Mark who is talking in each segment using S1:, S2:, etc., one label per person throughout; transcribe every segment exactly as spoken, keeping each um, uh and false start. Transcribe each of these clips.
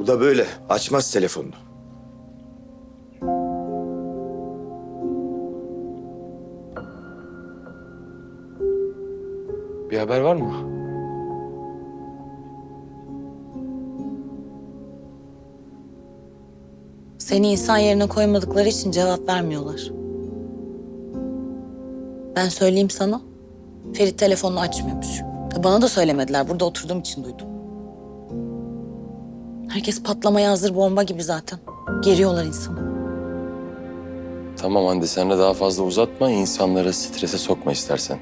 S1: da böyle. Açmaz telefonunu.
S2: Bir haber var mı?
S3: Seni insan yerine koymadıkları için cevap vermiyorlar. Ben söyleyeyim sana. Ferit telefonunu açmıyormuş. Bana da söylemediler. Burada oturduğum için duydum. Herkes patlamaya hazır bomba gibi zaten. Geriyorlar insanı.
S2: Tamam Hande, sen de daha fazla uzatma. İnsanları strese sokma istersen.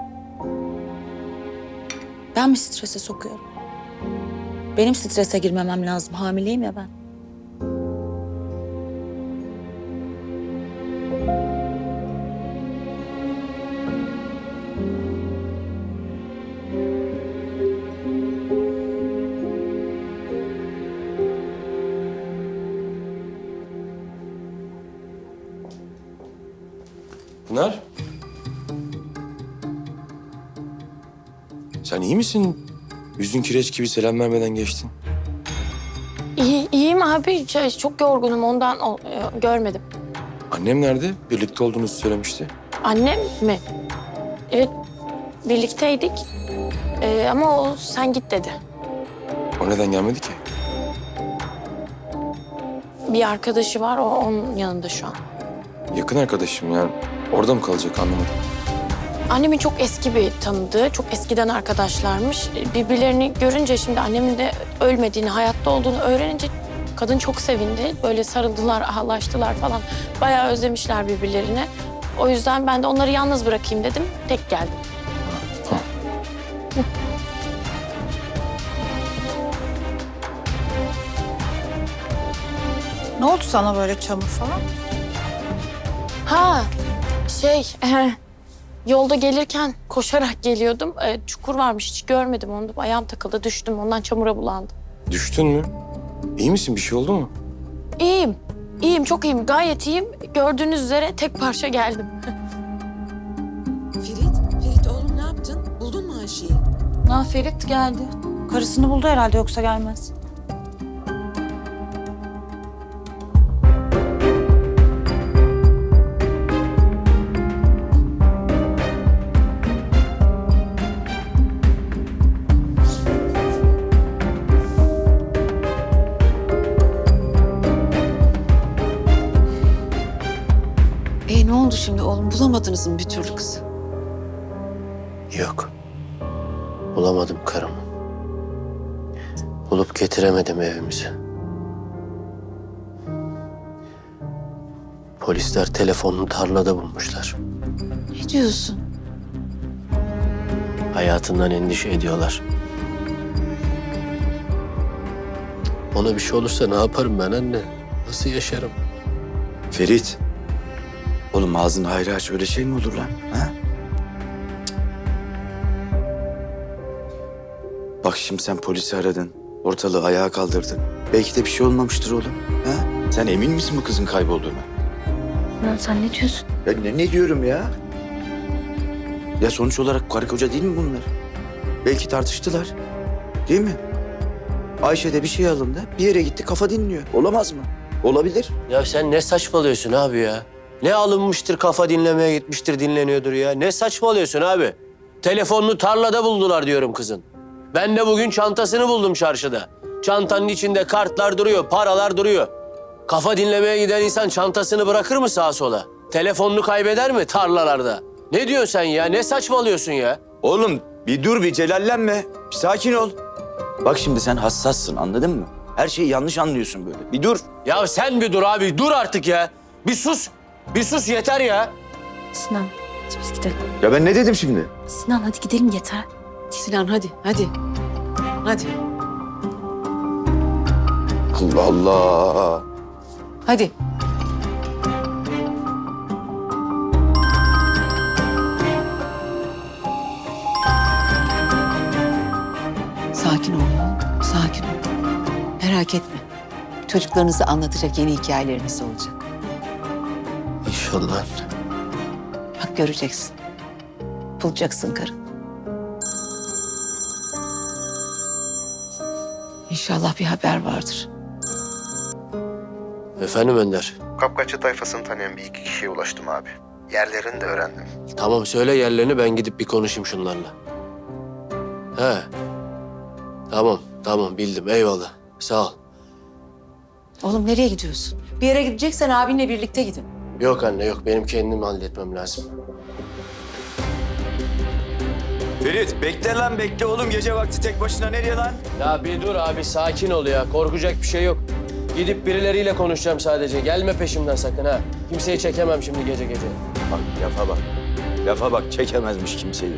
S3: Ben mi strese sokuyorum? Benim strese girmemem lazım. Hamileyim ya ben.
S2: Pınar? Sen iyi misin? Yüzün kireç gibi, selam vermeden geçtin.
S4: İyi, iyiyim abi. Şey, çok yorgunum ondan o- e, görmedim.
S2: Annem nerede? Birlikte olduğunuzu söylemişti.
S4: Annem mi? Evet, birlikteydik. Ee, ama o sen git dedi.
S2: O neden gelmedi ki?
S4: Bir arkadaşı var, o onun yanında şu an.
S2: Yakın arkadaşım yani. Orada mı kalacak, anlamadım.
S4: Annemin çok eski bir tanıdığı, çok eskiden arkadaşlarmış. Birbirlerini görünce şimdi annemin de ölmediğini, hayatta olduğunu öğrenince kadın çok sevindi. Böyle sarıldılar, ağlaştılar falan. Bayağı özlemişler birbirlerini. O yüzden ben de onları yalnız bırakayım dedim. Tek geldim.
S2: Tamam.
S5: Ne oldu sana böyle çamur falan?
S4: Ha, şey, yolda gelirken koşarak geliyordum. E, çukur varmış, hiç görmedim onu. Ayağım takıldı, düştüm. Ondan çamura bulandım.
S2: Düştün mü? İyi misin? Bir şey oldu mu?
S4: İyiyim, iyiyim, çok iyiyim. Gayet iyiyim. Gördüğünüz üzere tek parça geldim.
S6: Ferit, Ferit oğlum ne yaptın? Buldun mu Ayşe'yi?
S5: Ha, Ferit geldi. Karısını buldu herhalde, yoksa gelmez.
S6: E ne oldu şimdi oğlum? Bulamadınız mı bir türlü kızı?
S7: Yok. Bulamadım karımı. Bulup getiremedim evimize. Polisler telefonunu tarlada bulmuşlar.
S6: Ne diyorsun?
S7: Hayatından endişe ediyorlar. Ona bir şey olursa ne yaparım ben anne? Nasıl yaşarım?
S1: Ferit. Oğlum ağzını hayra aç. Öyle şey mi olur lan? Ha? Bak şimdi sen polisi aradın. Ortalığı ayağa kaldırdın. Belki de bir şey olmamıştır oğlum. Ha? Sen emin misin bu kızın kaybolduğuna?
S4: Lan sen ne diyorsun?
S1: Ya ne, ne diyorum ya? Ya sonuç olarak karı koca değil mi bunlar? Belki tartıştılar. Değil mi? Ayşe de bir şey alındı. Bir yere gitti, kafa dinliyor. Olamaz mı? Olabilir.
S7: Ya sen ne saçmalıyorsun abi ya? Ne alınmıştır, kafa dinlemeye gitmiştir, dinleniyordur ya. Ne saçmalıyorsun abi? Telefonunu tarlada buldular diyorum kızın. Ben de bugün çantasını buldum çarşıda. Çantanın içinde kartlar duruyor, paralar duruyor. Kafa dinlemeye giden insan çantasını bırakır mı sağa sola? Telefonunu kaybeder mi tarlalarda? Ne diyorsun sen ya? Ne saçmalıyorsun ya?
S1: Oğlum bir dur, bir celallenme. Bir sakin ol. Bak şimdi sen hassassın, anladın mı? Her şeyi yanlış anlıyorsun böyle. Bir dur.
S7: Ya sen bir dur abi, dur artık ya. Bir sus, bir sus yeter ya.
S3: Sinan, biz gidelim.
S1: Ya ben ne dedim şimdi?
S3: Sinan hadi gidelim yeter.
S6: Sinan hadi, hadi. Hadi,
S1: Allah Allah.
S6: hadi. Sakin ol oğlum, sakin ol. Merak etme. Çocuklarınıza anlatacak yeni hikayeleriniz olacak.
S7: İnşallah.
S6: Bak göreceksin. Bulacaksın karın. İnşallah bir haber vardır.
S7: Efendim Önder.
S8: Kapkaççı tayfasını tanıyan bir iki kişiye ulaştım abi. Yerlerini de öğrendim.
S7: Tamam söyle yerlerini, ben gidip bir konuşayım şunlarla. He. Tamam tamam bildim, eyvallah. Sağ ol.
S6: Oğlum nereye gidiyorsun? Bir yere gideceksen abinle birlikte gidin.
S7: Yok anne yok, benim kendim halletmem lazım.
S1: Ferit bekle lan bekle oğlum. Gece vakti tek başına nereye lan?
S7: Ya bir dur abi, sakin ol ya. Korkacak bir şey yok. Gidip birileriyle konuşacağım sadece. Gelme peşimden sakın ha. Kimseyi çekemem şimdi gece gece.
S1: Bak lafa bak. Lafa bak çekemezmiş kimseyi.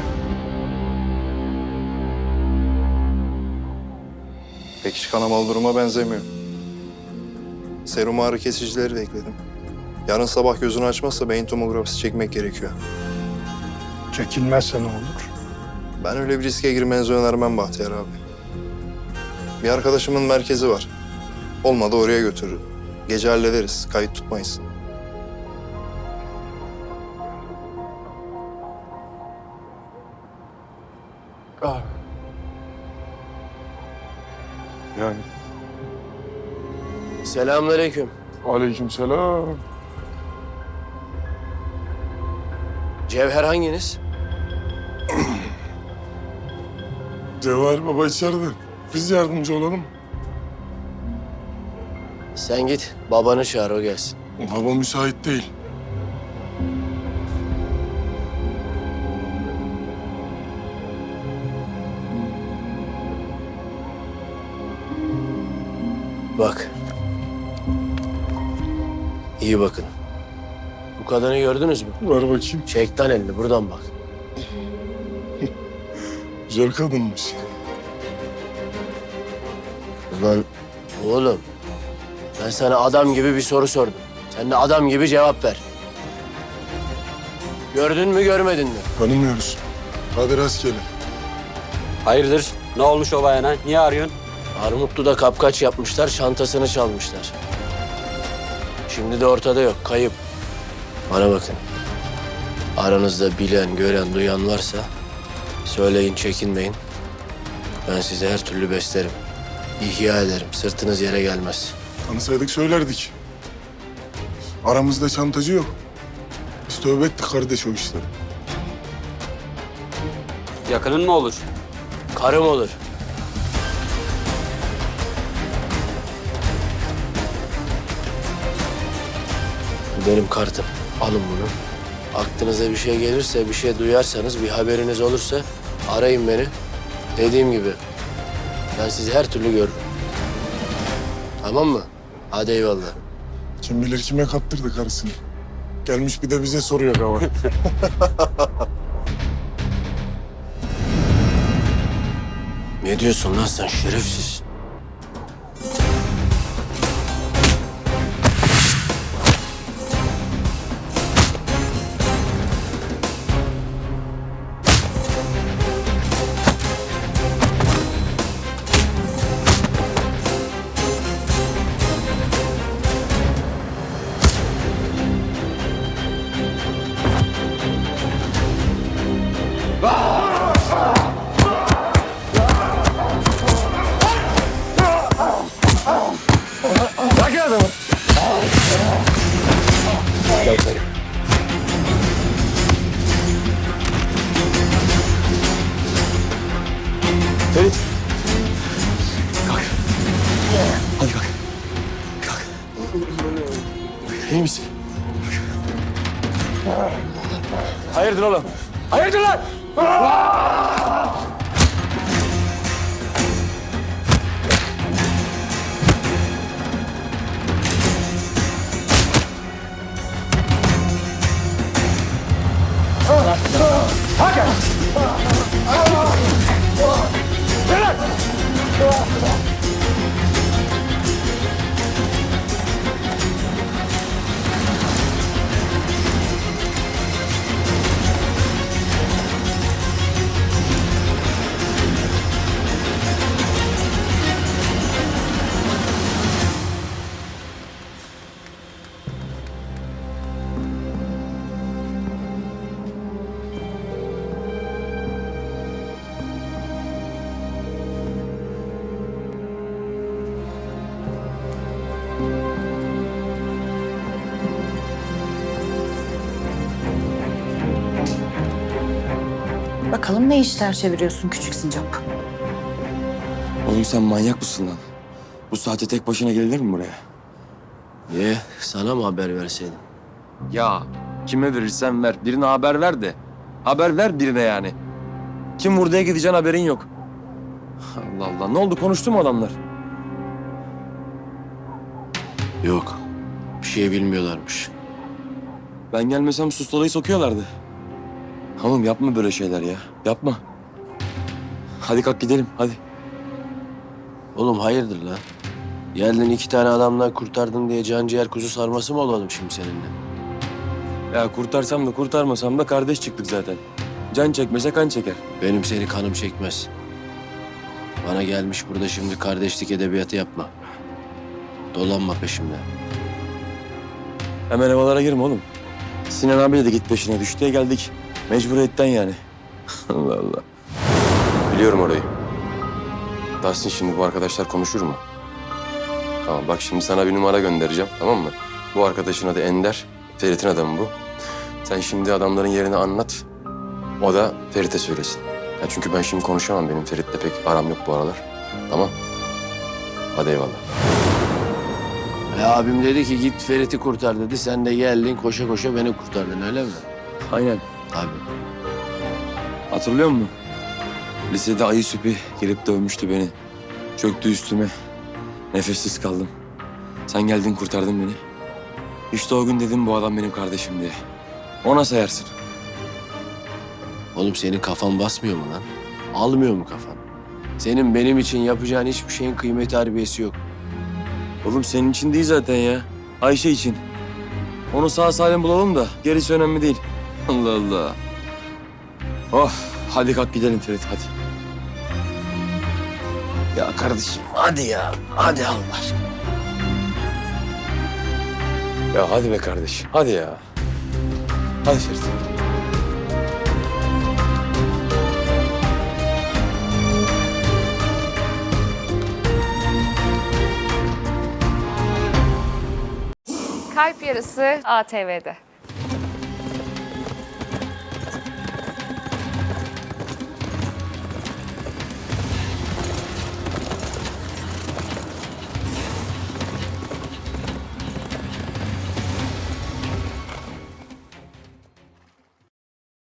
S9: Pek hiç kanamalı duruma benzemiyor. Serum ağrı kesicileri de ekledim. Yarın sabah gözünü açmazsa beyin tomografisi çekmek gerekiyor.
S10: Çekilmezse ne olur?
S9: Ben öyle bir riske girmenizi önermem Bahtiyar abi. Bir arkadaşımın merkezi var. Olmadı oraya götürürüm. Gece hallederiz, kayıt tutmayız.
S10: Yani
S7: Selamünaleyküm.
S10: aleykümselam.
S7: Cevher hanginiz?
S10: Cevahir Baba içeride. Biz yardımcı olalım.
S7: Sen git, babanı çağır, o gelsin.
S10: Baba müsait değil.
S7: Bak. İyi bakın. Bu kadını gördünüz mü?
S10: Ver bakayım.
S7: Çek lan elini, buradan bak.
S10: Güzel kadınmış.
S7: Ulan oğlum, ben sana adam gibi bir soru sordum. Sen de adam gibi cevap ver. Gördün mü, görmedin mi?
S10: Tanımıyoruz. Hadi rastgele.
S11: Hayırdır? Ne olmuş o bayana? Niye arıyorsun?
S7: Armutlu'da kapkaç yapmışlar, çantasını çalmışlar. Şimdi de ortada yok, kayıp. Bana bakın. Aranızda bilen, gören, duyan varsa söyleyin, çekinmeyin. Ben sizi her türlü beslerim. İhya ederim, sırtınız yere gelmez.
S10: Tanısaydık söylerdik. Aramızda çantacı yok. Biz tövbe ettik kardeş o işleri.
S11: Yakının mı olur?
S7: Karım olur. Bu benim kartım. Alın bunu. Aklınıza bir şey gelirse, bir şey duyarsanız, bir haberiniz olursa arayın beni. Dediğim gibi ben sizi her türlü görürüm. Tamam mı? Hadi eyvallah.
S10: Kim bilir kime kaptırdı karısını. Gelmiş bir de bize soruyor hava.
S7: Ne diyorsun lan sen şerefsiz? Ferit. Kalk. Hadi kalk. Kalk. İyi misin? Hayırdır oğlum? Hayırdır lan?
S5: Bakalım ne işler çeviriyorsun küçük sincap.
S2: Oğlum sen manyak mısın lan? Bu saate tek başına gelir mi buraya?
S7: Niye? Sana mı haber verseydim?
S2: Ya kime verirsen ver. Birine haber ver de. Haber ver birine yani. Kim vurduya gideceğin haberin yok. Allah Allah. Ne oldu? Konuştu mu adamlar?
S7: Yok. Bir şey bilmiyorlarmış.
S2: Ben gelmesem sustalayı sokuyorlardı. Oğlum yapma böyle şeyler ya. Yapma. Hadi kalk gidelim hadi.
S7: Oğlum hayırdır lan? Geldin iki tane adamdan kurtardın diye can ciğer kuzu sarması mı olalım şimdi seninle?
S2: Ya kurtarsam da kurtarmasam da kardeş çıktık zaten. Can çekmese kan çeker.
S7: Benim seni kanım çekmez. Bana gelmiş burada şimdi kardeşlik edebiyatı yapma. Dolanma peşimde.
S2: Hemen havalara girme oğlum. Sinan abiyle de git peşine düştü diye geldik. Mecburiyetten yani. Allah Allah. Biliyorum orayı. Tahsin şimdi bu arkadaşlar konuşur mu? Tamam bak şimdi sana bir numara göndereceğim tamam mı? Bu arkadaşın adı Ender. Ferit'in adamı bu. Sen şimdi adamların yerini anlat. O da Ferit'e söylesin. Ya çünkü ben şimdi konuşamam. Benim Ferit'le pek aram yok bu aralar. Tamam. Hadi eyvallah.
S7: E abim dedi ki git Ferit'i kurtar dedi. Sen de geldin koşa koşa beni kurtardın öyle mi?
S2: Aynen.
S7: Abi.
S2: Hatırlıyor musun? Lisede ayı süpi gelip dövmüştü beni. Çöktü üstüme. Nefessiz kaldım. Sen geldin kurtardın beni. İşte o gün dedim bu adam benim kardeşim diye. Ona sayarsın.
S7: Oğlum senin kafan basmıyor mu lan? Almıyor mu kafan? Senin benim için yapacağın hiçbir şeyin kıymeti harbiyesi yok.
S2: Oğlum senin için değil zaten ya. Ayşe için. Onu sağ salim bulalım da gerisi önemli değil. Allah Allah. Of. Hadi kalk gidelim Ferit hadi.
S7: Ya kardeşim hadi ya. Hadi Allah aşkına.
S2: Ya hadi be kardeşim. Hadi ya. Hadi Ferit.
S12: Kalp Yarısı A T V'de.